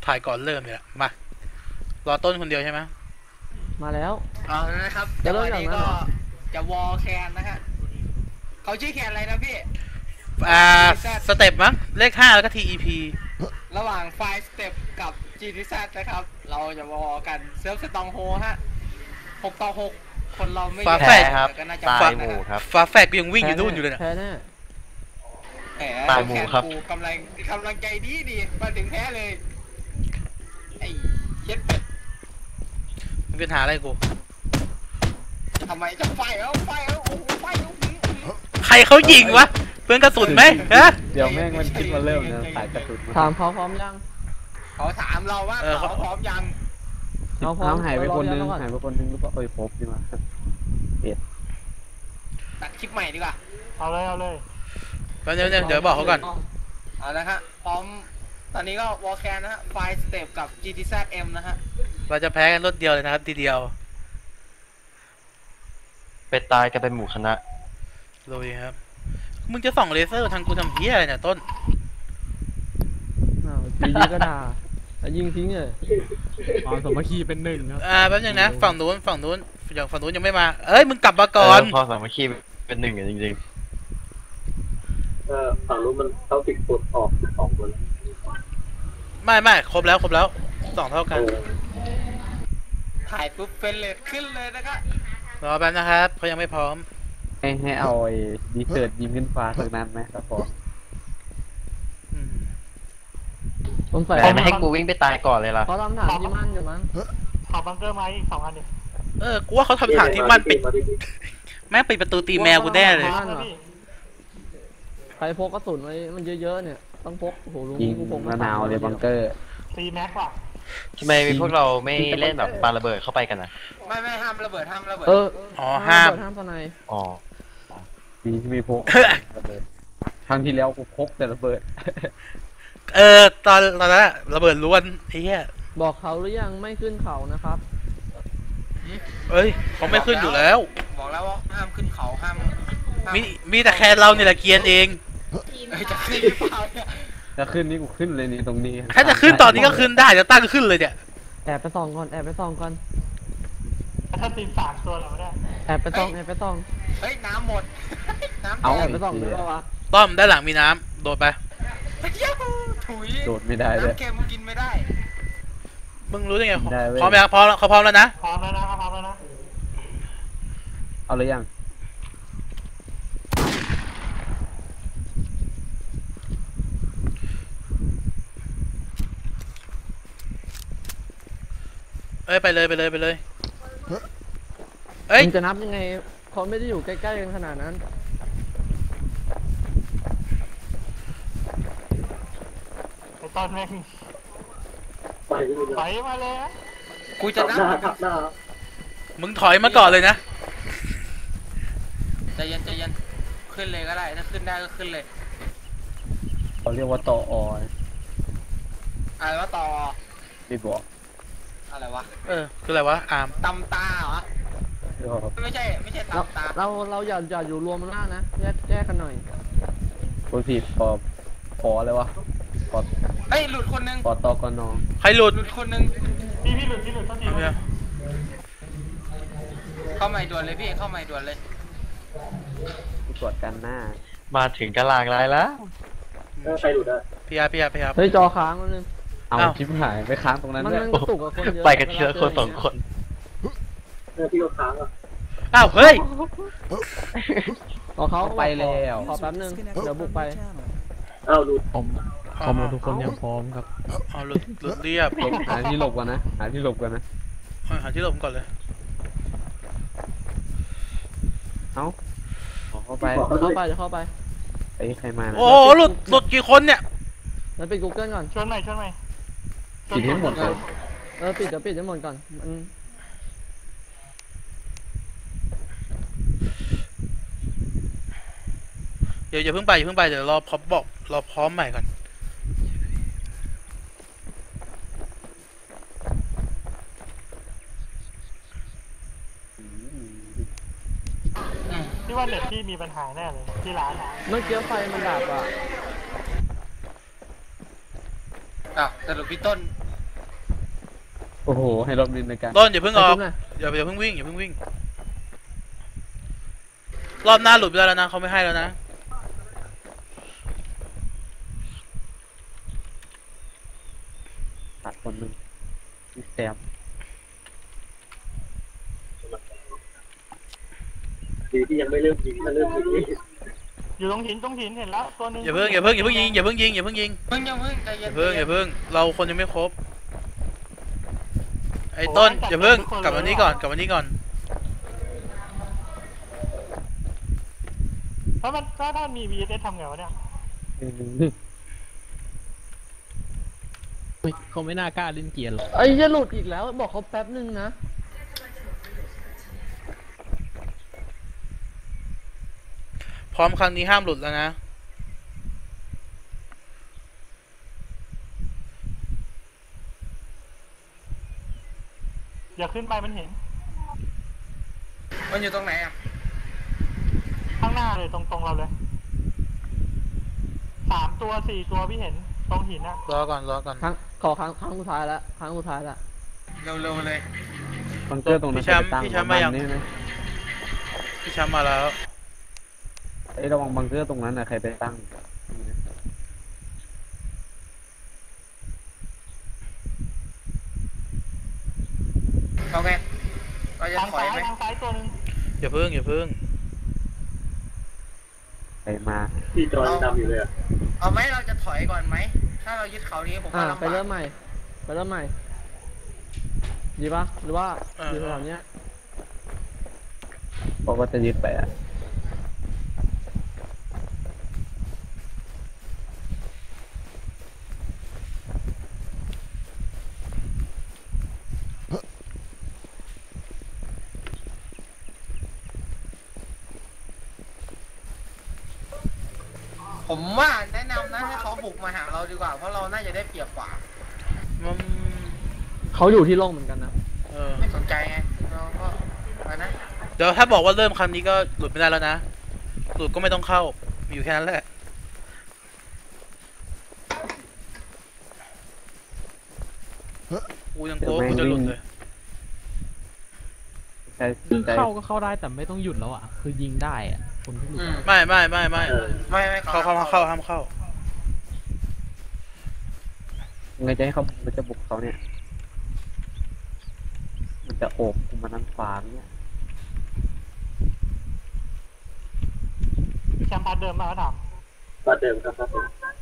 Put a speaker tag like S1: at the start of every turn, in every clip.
S1: ถ่ายก่อนเริ่มเนี่ยมารอต้นคนเดียวใช่ไหม
S2: มาแล้ว
S3: เอาแล้วนะครับจังหวะนี้ก็จะวอลแคนนะฮะเขาชื่อแคนอะไรนะพี่
S1: สเต็ปมั้งเลข5แล้วก็ TEP
S3: ระหว่างไฟสเต็ปกับ GTZ นะครับเราจะวอลกันเซิร์ฟสตองโฮฮะ6-6คนเราไม่
S1: แพ้
S4: ครับตายหมู่ครับ
S1: ฟ้าแฝดกูยังวิ่งอยู่นู่นอยู่เลยนะ
S2: แพ้แน่
S4: ตายหมู่ครับ
S3: กำลังใจดีมาถึงแพ้เลยไอ้เช็ดเป็ด
S1: มันเป็นหาอะไรกู
S3: ทำไมจะไฟแล้วโอ้โหไฟแล้ว
S1: ใครเขายิงวะเพื่อนกระสุนไหมฮะ
S5: เดี๋ยวแม่งมันคิดมาเริ่มนะสายกระสุน
S2: ถามเขาพร้อมยัง
S3: เขาถามเราว่าเขาพร้อมยัง
S2: เขาพร้อม
S5: หายไปคนนึงหรือเปล่าพบดีกว่า
S3: ตัดคลิปใหม่ดีกว่า
S2: เอาเลย
S1: เดี๋ยวบอกเขาก่อน
S3: เอาละฮะพร้อมตอนนี้ก็วอลแคนนะฮะไฟสเต็ปกับ GTZM นะฮะ
S1: เราจะแพ้กันรถเดียวเลยนะครับทีเดียว
S4: ไปตายกันเป็นหมู่คณะ
S1: ลุยครับมึงจะส่องเลเซอร์ทางกูทำเหี้ยอะไรเนี่ยต้น
S2: ตีก็ด่าแล้วยิงทิ้งเลย
S5: สมัคคีเป็น1ครับ
S1: แป๊บนึงนะฝั่งนู้นยังไม่มาเอ้ยมึงกลับมาก่อน
S4: พอสามัคคีเป็น1จริง
S6: ฝั่งนู้นมันเขาติดกดออก2คน
S1: ไม่ครบแล้ว2เท่ากัน
S3: ถ่ายปุ๊บเป็นเลทขึ้นเลยนะครับ
S1: รอแป๊บนะครับเขายังไม่พร้อม
S5: ให้เอาไอ้ดีเซิร์ตยิงขึ้นฟ้าสักนั้นไหมครับผม
S4: แต่ไม่ให้กูวิ่งไปตายก่อนเลยล่ะ
S2: เขาทำฐานที่มั่นอยู่มั้ง
S7: ขอบังเกอร์ไหม2 อันดิ
S1: กูว่าเขาทำฐานที่มั่นปิดแม่งปิดประตูตีแมวกูแน่เลย
S2: ใครพกกระสุนไว้มันเยอะๆเนี่ยต้องพกโอ้โหลุง
S5: ยิง
S2: กูพก
S5: มะนาวเลยบังเกอร์
S7: 4 แม็กว่ะ
S4: ทำไมพวกเราไม่เล่นแบบปาระเบิดเข้าไปกันนะ
S3: ไม่ห้ามระเบิด
S1: ห้าม
S2: สไน
S4: อ๋อ
S5: ดีที่ไม่พกครั้งที่แล้วกูพกแต่ระเบิด
S1: ตอนนั้นระเบิดล้วนไอ้เหี้ย
S2: บอกเขาหรือยังไม่ขึ้นเขานะครับ
S1: เอ้ยเขาไม่ขึ้นอยู่แล้ว
S3: บอกแล้วว่าห้ามขึ้นเขาห้าม
S1: มีแต่แค่เราเนี่ยแหละเกียนเอง
S3: จะขึ้นหรือเปล่าเนี่ย
S5: จะขึ้นนี่กูขึ้นเลยนี่ตรงนี้
S1: ถ้าจะขึ้นตอนนี้ก็ขึ้นได้จะตั้งขึ้นเลยเนี่ย
S2: แอบไปส่องก่อน
S7: ถ้าทีม3 ตัวเราไม่ได้
S2: แอบไปส่อง
S3: เฮ้ยน้ำหมด
S5: เอา
S2: แอบไปส่องหรือเปล่าวะ
S1: ต้อมด้านหลังมีน้ำโดดไป
S3: ถุย
S5: โดดไม่ได้เลย
S3: น้ำเค็มกินไม่ได้
S1: มึงรู้ได้ไงพร้อมไหมครับพร้อมแล้วเขาพร้อมแล้วนะ
S7: พร้อมแล้วนะ
S5: เอาเลยยัง
S1: ไปเลยเอ้ย
S2: จะนับยังไงเขาไม่ได้อยู่ใกล้ๆกันขนาดนั้น
S7: ไอ้ตอนแม่งไปมาเลย
S3: กูจะนับ
S1: มึงถอยมาก่อนเลยนะ
S3: ใจเย็นขึ้นเลยก็ได้ถ้าขึ้นได้ก็ขึ้นเลย
S5: เขาเรียกว่าต่อ
S3: อะไรว่าต่อ
S5: ไม่บอก
S3: อะไรวะ
S1: คืออะไรวะอาร์ม
S3: ตำตาเหรอไม่ใช่ตำตา
S2: เราอย่าอยู่รวมกันนะแยกกันหน่อย
S5: คนผิดปอเลยวะ
S3: เฮ้ยหลุดคนนึง
S5: ปอตอกนอ
S1: ใครหลุด
S3: คนนึง
S7: พี่หลุดต้องดี
S3: เข้าใหม่ด่วนเลยพี่เข้าใหม่ด่วนเลย
S5: ตรวจกันหน้า
S4: มาถึงกะลางไรแล้ว
S6: ใครหลุดอ่ะ
S1: พี่อาร์
S2: เฮ้ยจอค้างมันนึง
S5: เอาชิปหายไปค้างตรงนั้นด้วย
S4: ไปกันทีละคน2 คน
S6: พี่ก็ค้างอ่ะ
S1: เฮ้ย
S2: เขาไปแล้วขอแป๊บนึงเดี๋ยวบุกไป
S6: หลุด
S5: พร้อมทุกคนยังพร้อมครับ
S1: หลุดเรียบ
S5: หาที่หลบกันนะหาที่หลบก่อนเลยเข้าไปไอ้ใครมา
S1: โอ้หลุดกี่คนเนี่ย
S2: แล้วปิด Google ก่อน
S7: ชวนใหม่
S5: ปิดให้หมดก่อน
S2: ปิดให้หมดก่อน
S1: อย่าเพิ่งไปเดี๋ยวรอพร้อมใหม่ก่อน
S7: ที่ว่าเน็ตที่มีปัญหาแน่เลยที่ร้าน
S2: เมื่อกี้ไฟมันดับอ่ะ
S3: สรุปพี่ต้น
S5: โอ้โหให้รถบินในการ
S1: ต้นอย่าเพิ่งออก
S2: ไปจุ๊บหน่อย
S1: อย่าเพิ่งวิ่งอย่าเพิ่งวิ่งรอบหน้าหลุดไปแล้วนะเขาไม่ให้แล้วนะ
S5: ตัดคนหนึ่งพี่แซม
S6: ดีที่ยังไม่เริ่มยิงถ้าเริ่มยิงนี่
S7: อยู่ตรงหินเห็นแล้วตัวหนึง
S1: อย่าเพิ่งยิงอย่าเพิ่งยิง
S3: เพิ่งใจ
S1: อ
S3: เย็น
S1: ย่าเพิ่งเราคนยังไม่ครบไอ้ต้นอย่าเพิ่งกลับมานี้ก่อน
S7: ถ้ามันมี VSS ทำไงวะเนี่ย
S8: เขาไม่น่ากล้าเล่นเกียร์หรอก
S2: ไอ้จะหลุดอีกแล้วบอกเขาแป๊บนึงนะ
S1: พร้อมครั้งนี้ห้ามหลุดแล้วนะ
S7: อย่าขึ้นไปมันเห็น
S3: มันอยู่ตรงไหนอ่ะ
S7: ข้างหน้าเลยตรงเราเลย3 ตัว 4 ตัวพี่เห็นตรงหินอะ
S1: รอก่อน
S2: ขอครั้งสุดท้ายแล้วครั้งสุดท้ายแล้ว
S3: เร็วๆเลย
S5: บังเกอร์ตรงนั้น
S1: พี่แชมป์มายัง
S5: นี่ไหม
S1: พี่แชมป์มาแล้ว
S5: ไอ้ยระวังบังเกอร์ตรงนั้นนะใครไปตั้ง
S3: โอเคเราจะ
S7: ทาง
S3: ถอย
S7: ซ้าย
S3: ไหม
S7: ทางซ้ายตัวหนึง
S1: อย่าเพิ่ง
S5: ใครมา
S6: ที่จอดำอยู่เลยอะ
S3: เอาไหมเราจะถอยก่อนไหมถ้าเรายึดเขานี้ผมว่าลำ
S2: ไป
S3: บาก
S2: เริ่มใหม่ดีปะหรือว่าอยู่แถวๆเนี้ย
S5: เพราะว่าจะยึดไปอ่ะ
S3: ผมว่าแนะนำนะให้เขาบุกมาหาเราดีกว่าเพราะเราน่าจะได้เปรียบกว่า
S1: มัน
S2: เขาอยู่ที่โล่งเหมือนกันนะ
S3: ไม่สนใจไงเราก็ไปนะ
S1: เดี๋ยวถ้าบอกว่าเริ่มครั้งนี้ก็หลุดไม่ได้แล้วนะหลุดก็ไม่ต้องเข้ามีอยู่แค่นั้นแหละกูยังโก้กูจะหลุดเลย
S5: ใช่
S8: ซึ่ง
S5: ใช่
S8: เข้าก็เข้าได้แต่ไม่ต้องหยุดแล้วอ่ะ คือยิงได้อ่ะคนที่หลุด
S1: ไม่
S6: เออ
S3: ไม่
S1: เข้าห้ามเข้า
S5: ไงจะให้เขามันจะบุกเขาเนี่ย มันจะโอบกูมานั่งฟางเนี่ย
S7: แชมป์พาร์ทเดิมมาแล้วถาม
S6: ก็เดิมครับครับผม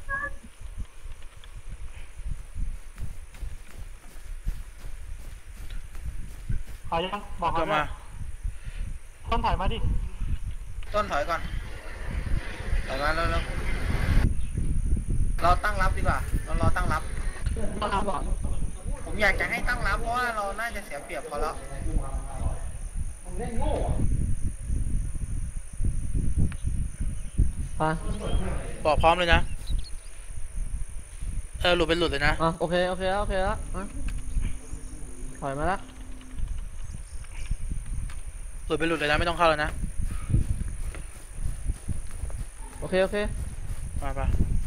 S7: เอายังบอก
S1: ก็
S7: เขา
S1: มา
S7: ว่าต้นถอยมาดิ
S3: ต้นถอยก่อนถอยมาเร็วๆเราตั้งรับดีกว่าเรารอตั้งรับ ผมอยากจะให้ตั้งรับเพราะว่าเราน่าจะเสียเปรียบเขาแล้ว
S2: ไป
S1: บอกพร้อมเลยนะหลุดเป็นหลุดเลยนะ
S2: โอเคแล้วถอยมาแล้ว
S1: หลุดเป็นหลุดเลยนะไม่ต้องเข้าแล้วนะ
S2: โอเค
S1: มา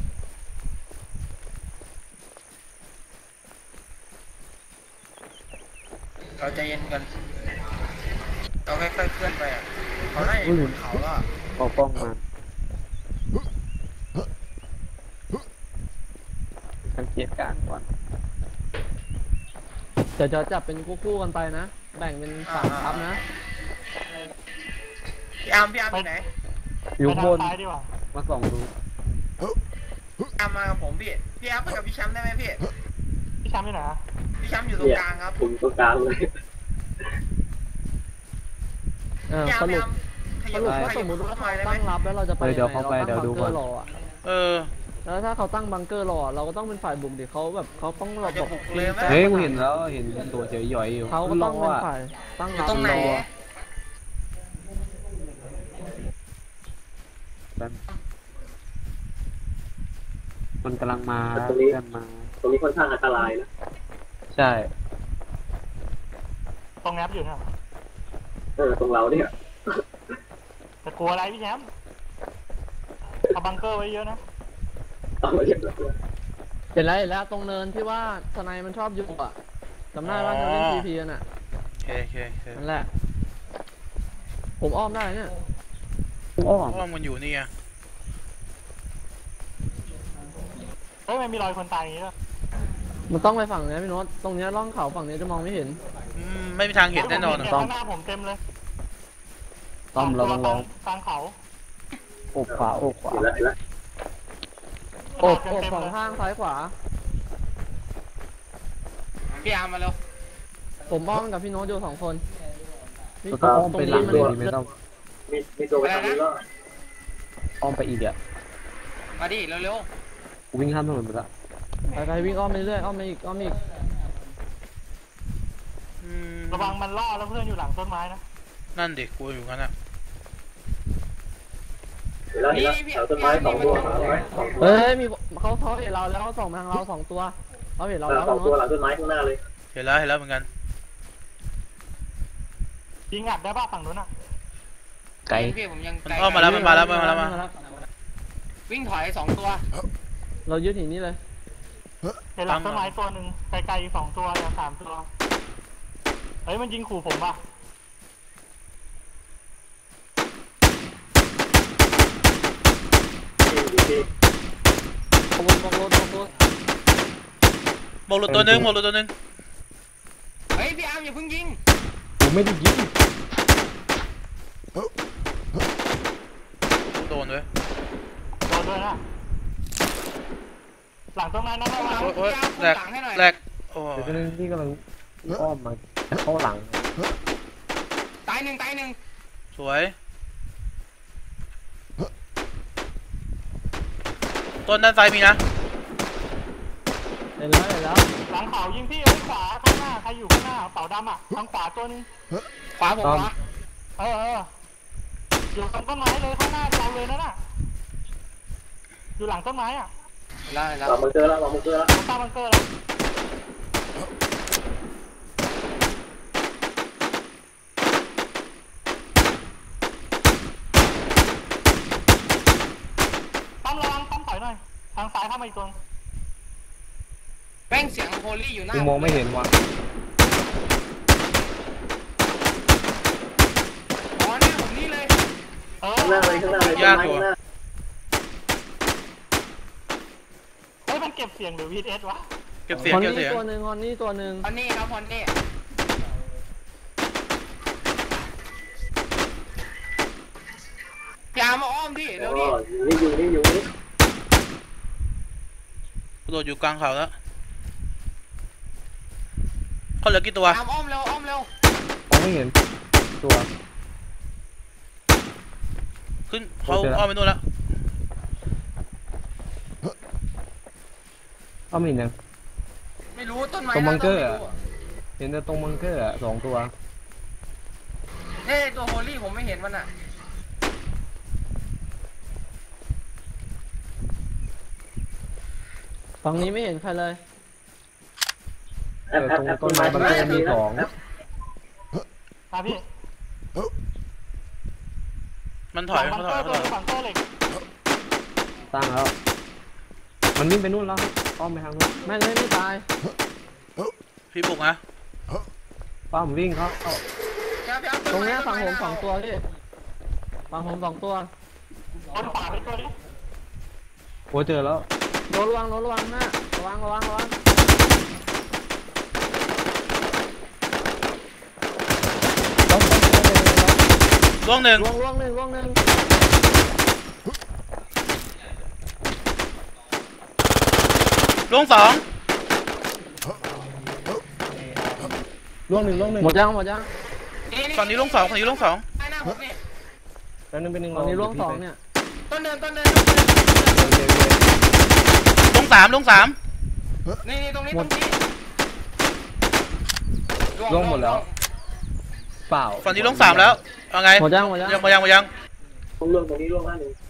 S3: เราใจเย็นกันเราค่อยๆเคลื่อนไปอ่ะเขาได้บนเขาแล้วอะ
S5: เอากล้องมาสังเกตการณ์ก่อน
S2: เดี๋ยวจะจับเป็นคู่ๆกันไปนะ แบ่งเป็น3ทัพนะ
S3: พี่อาร์มอยู่ไหน
S5: อยู่
S7: ไป
S5: บ
S7: ทาง
S5: น
S7: ซ้ายดีกว่า
S5: มาส่องดู
S3: พี่อาร์มมากับผมพี่อาร์มไปกับพี่แชมป์ได้ไหมพี่
S7: พี่แชมป์ที่ไหนอะ
S3: พี่แชมป์อยู่ตรงกลางครับ
S6: ผมตรงกลางเลย
S3: พี่อาร์
S2: ส
S3: ม
S2: รุป
S3: ขยับ
S2: ว่าสมมติว่า
S3: หน่
S2: เขา
S3: อยได้ไหม
S2: ตั้งรับแล้วเราจะไป
S5: เดี๋ยวเข้าไป
S2: ยังไง
S5: เดี๋ยวดู
S2: เรา
S5: ก่
S2: ตั้
S5: อง น
S2: บังเกอร์รออะ แล้วถ้าเขาตั้งบังเกอร์รอเราก็ต้องเป็นฝ่ายบุกดิเขาแบบเขาต้อง
S3: เราจะบุกเลยไหม
S5: เฮ้ยกูเห็นแล้วเห็นตัวเฉยย่อยอยู่
S2: เขาก็ต้องเป็น
S5: อ่ะ
S2: ฝ่ายตั้ง
S3: อยู่
S2: รับ
S3: ตรงไหน
S2: รอ
S5: มันกำลังมาเพื่อนมา
S6: ตรงนี้ค่อนข้างอันตรายนะ
S5: ใช่
S7: ตรงแอปอยู่เนี่ย
S6: ตรงเราเนี่ย
S7: แต่กลัวอะไรพี่แชมป์เอาบังเกอร์ไว้เยอะนะ
S6: เอามาเรียบร้อย
S2: เห็นแล้วตรงเนินที่ว่าสไนมันชอบอยู่อะจำได้ว่าเราเล่น PVP กันอ่ะ
S1: โอเคโอเคโอเค
S2: นั่นแหละ ผมอ้อมได้เนี่ย
S5: อ้อ
S1: อ้อมมันอยู่นี่ไง
S7: เฮ้ยมันมีรอยคนตายอย่างนี้ด้วย
S2: มันต้องไปฝั่งนี้พี่โน้ตตรงเนี้ยร่องเขาฝั่งนี้จะมองไม่เห็น
S1: ไม่มีทางเห็นแน่นอน
S7: เฮ้ย
S1: อะ
S7: ผมเห็นข้างหน้าผมเต็มเลย
S5: ต้อมเราต้องลอง
S7: กลางเขา
S5: โอบขวาโอบขวา
S6: เห็นแล้วเห็นแล้ว
S2: โอบสองข้างซ้ายขวา
S3: พี่อาร์มมาเร็ว
S2: ผมอ้อมกับพี่โน้ตอยู่2 คนนี่
S5: เราต้องอ้อมไปหลังเลยดีไหมต้อง
S6: มีตัวไปทางนี้ก็
S5: อ้อมไปอีกอ่ะ
S3: มาดิเร็ว
S5: กูวิ่งข้ามถนนไปละ
S2: ไปวิ่งอ้อมไปเรื่อยอ้อมไปอีกอ้อมอีก
S7: ระวังมันล่อแล้วเพื่อนอยู่หลังต้นไม้นะ
S1: นั่นดิกูอยู่งั้นอะ
S6: เห็นแล้วเห็นแล้วแถวต้นไม้สองตัวสองตัว
S2: เฮ้ยมีเขาเห็นเราแล้วเขาส่องมาทางเรา2 ตัวเขาเห็นเราแล้ว
S6: สอง
S2: พี่
S6: ตัว
S2: โน้ต
S6: หลังต้นไม้ข้างหน้าเลย
S1: เห็นแล้วเหมือนกัน
S7: ยิงอัดได้ป่ะฝั่งนู้นอ่ะ
S3: ๆ
S5: ไกล
S3: พี่ผมยัง
S1: มัน
S3: ไกล
S1: อ้อมมาแล้วมันมาแล้วมา
S3: วิ่งถอย2 ตัว
S2: เรายึดหินนี่เลย
S7: เห็นหลังต้นไม้ตัวหนึ่งไกลๆอีก2 ตัวเหลือ3 ตัวเฮ้ยมันยิงขู่ผมป่ะ
S6: ที่
S2: ขบวนบกรถ
S1: บอกหลุดตัวหนึงบอกหลุดตัวหนึง
S3: เฮ้ยพี่อาร์มอย่าเพิ่งยิง
S5: กูไม่ได้ยิง
S1: โดนด้วย
S7: โดนด้วยนะหลังต้นไม้นั่นระวัง
S1: โอ๊ยแหลกแหลกโอ้
S5: เดี๋ยวนึงที่กำลังอ้อมมาเข้าหลัง
S3: ตายหนึ่ง
S1: สวยต้นด้านซ้ายมีนะ
S2: เห็นแล้ว
S7: หลังเขายิงพี่เอ้ยขวาข้างหน้าใครอยู่ข้างหน้าเป่าดำอ่ะทางขวาตัวหนึง
S3: ขวาผมวะ
S7: เอออยู่ตรงต้นไม้เลยข้างหน้าเราเลยนั่นน่ะอยู่หลังต้นไม้อ่ะ
S3: แล้ว
S6: เรามาเจอแล้วเรามาเจอแล้ว
S7: ตรงใต้บังเกอร์เลยตั้มระวังตั้มถอยหน่อยทางซ้ายเข้ามาอีกตัว
S3: แม่งเสียงโฮลี่อยู่หน้า
S5: กูมองไม่เห็นว่ะ
S3: อ๋อหน้าผมนี่เลย
S7: เออ
S6: ข้างหน้าเลยข้างหน้าเลยต้นไม้ข้างหน้า
S7: เฮ้ยมันเก็บเสียงหรือ VS วะ
S1: เก็บเสียง
S2: ฮอน
S1: เก็บเสี
S2: นี่
S1: ยง
S2: ตัวหนึ่งฮอนนี่ตัวหนึ่ง
S3: พอนนี่ครับพอนนี่พี่อาร์มมาอ้อมดิเร็วดิ
S6: นี่อยู่นี่อยู่นี่
S1: กระโดดอยู่กลางเขาแล้วเขาเหลือกี่ตัว
S3: อาร์มอ้อมเร็วอ้อมเร็ว
S5: มองไม่เห็นตัว
S1: ขึ้นเขาอ้อมไปนู่นแล้ว
S5: อ้อมไม่เห็นยัง
S3: ไม่รู้ต้นไม้
S5: ตรงบังเกอร์
S3: ไม่
S5: อะ เห็นแต่ตรงบังเกอร์อะ2 ตัว
S3: เฮ้ยตัวโฮลี่ผมไม่เห็นมันอ่ะ
S2: ฝั่งนี้ไม่เห็นใครเลย
S6: แอปแอปแอปต้นไม้
S5: ตรงต้นไม้บังเกอร์มีสอง
S7: มาพี่
S1: มันถอย
S7: บั
S1: มัน
S7: ง
S1: ถ
S7: เก
S1: อ
S7: อย ร์
S1: มันถอย
S7: ตัวบังเกอร์เหล็ก
S5: ตั้งแล้ว มันวิ่งไปนู่นแล้วอ้อมไปทางนู้น
S2: แม่งเลยไม่ตาย
S1: พี่บุกนะ
S5: ป้าผมวิ่งเขา
S2: ตรงเนี้ยฝั่งผม2 ตัวพี่ฝั่งผม2 ตัว
S7: บนขวาไปตัวนี้
S5: โอ้เจอแล้ว
S2: โดนระวังนะระวัง
S1: ล่วงหนึ่ง
S2: ล่วงหนึ่ง
S1: ล่วงสอง
S5: ล่วง1
S2: หมดยัง
S1: ฝั่งนี้ล่วงสองฝั่งนี้ล่วงสอง
S3: ใต้หน้าผมนี่
S5: แล้วนึงเป็นหนึ่ง
S2: ตอนนี้ล่วง2เนี่ย
S3: ต้นเดิน
S1: ล่วงสามล่วงสาม
S3: นี่ตรงนี้
S5: ล่วงหมดแล้ว เปล่า
S1: ฝั่งนี้ล่วงสามแล้วเอาไง
S2: หมดยัง
S1: ยัง
S6: ตรงเรื่องตรงนี้ร่วงหน้าหนึ่ง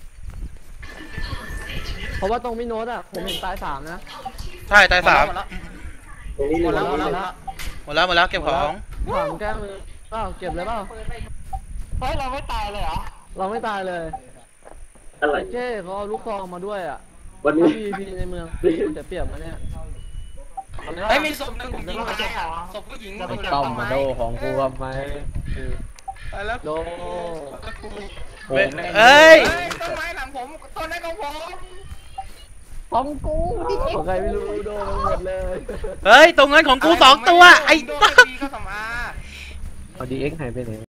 S2: เพราะว่าตรงพี่โน้ตอ่ะผมเห็นตาย3นะ
S1: ใช่ตายสาม
S6: ตรงนี้
S3: หม
S6: ร่ว
S3: ด
S6: ง
S3: แล้วหมดแล้ว
S1: หมดแล้วเก็บของ
S2: ถามแก้มือเปล่าเก็บเลยเปล่า
S7: เฮ้ยเราไม่ตายเลยเหรอ
S2: เราไม่ตายเลย
S6: อะไร
S2: ไอ้เจ้เขาเอาลูกซองมาด้วยอ่ะ
S6: วันนี้
S2: PVP ในเมืองจะเปรียบมาเนี่ย
S3: เฮ้ยมีศพหนึ่งผมยิงตายอ่ะศพผู้หญิง
S2: ไอ้ต้อมมาโดของกูทำไม
S3: ตายแล้ว
S2: โด
S1: เอ้ย
S3: ต้นไม้หลังผมต้นไม้ของผม
S2: ของกูใครไม่รู้โดนหมดเลย
S1: เฮ้ย ตรงนั้นของกู2 ตัว ไอ้
S3: โดน
S1: ต้อม
S3: ตีเข้าสำอา
S2: เอาดีเอ็กหายไปไหน